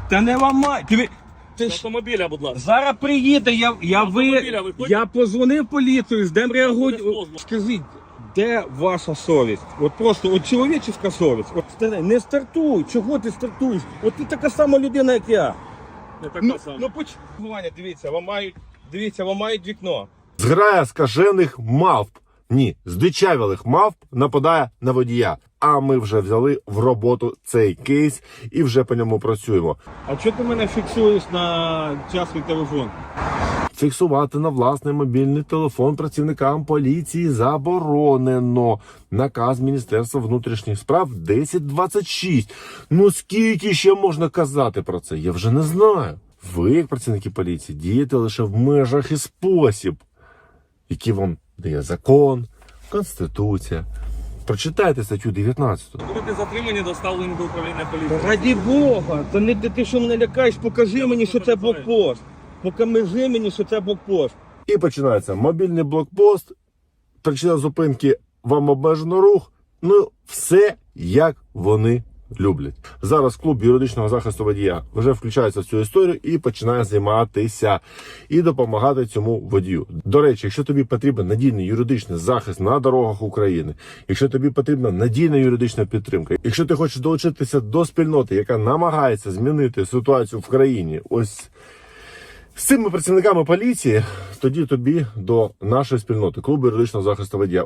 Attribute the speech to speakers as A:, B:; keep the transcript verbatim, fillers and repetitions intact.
A: Та не ламай. Ти, ти
B: З
A: ж...
B: автомобіля, будь ласка.
A: Зараз приїде, я, я, ви...
B: Автомобіля ви хочете?
A: я позвонив поліцію, ждем реагують.
B: Без дозволу.
A: Скажіть, де ваша совість? От просто, от чоловічська совість. От старе, не стартуй, чого ти стартуєш? От ти така сама людина, як я.
B: Не така
A: Ну,
B: сама.
A: ну поч... Ваня, дивіться, ламають, дивіться, ламають вікно.
C: Зграя скажених мавп, ні, здичавілих мавп нападає на водія. А ми вже взяли в роботу цей кейс і вже по ньому працюємо.
A: А чого ти мене фіксуєш на частний телефон?
C: Фіксувати на власний мобільний телефон працівникам поліції заборонено. Наказ Міністерства внутрішніх справ десять двадцять шість. Ну скільки ще можна казати про це? Я вже не знаю. Ви, як працівники поліції, дієте лише в межах і спосіб, які вам дає закон, Конституція. Прочитайте статтю дев'ятнадцяту.
B: Будете затримані, доставлені до управління поліції.
A: Раді Бога, то не ти, ти що мене лякаєш, покажи мені, що це блокпост. Покажи мені, що це блокпост.
C: І починається мобільний блокпост, причина зупинки, вам обмежено рух, ну все як вони люблять. Зараз клуб юридичного захисту водія вже включається в цю історію і починає займатися і допомагати цьому водію. До речі, якщо тобі потрібен надійний юридичний захист на дорогах України, якщо тобі потрібна надійна юридична підтримка, якщо ти хочеш долучитися до спільноти, яка намагається змінити ситуацію в країні, ось з цими працівниками поліції, тоді тобі до нашої спільноти, клубу юридичного захисту водія.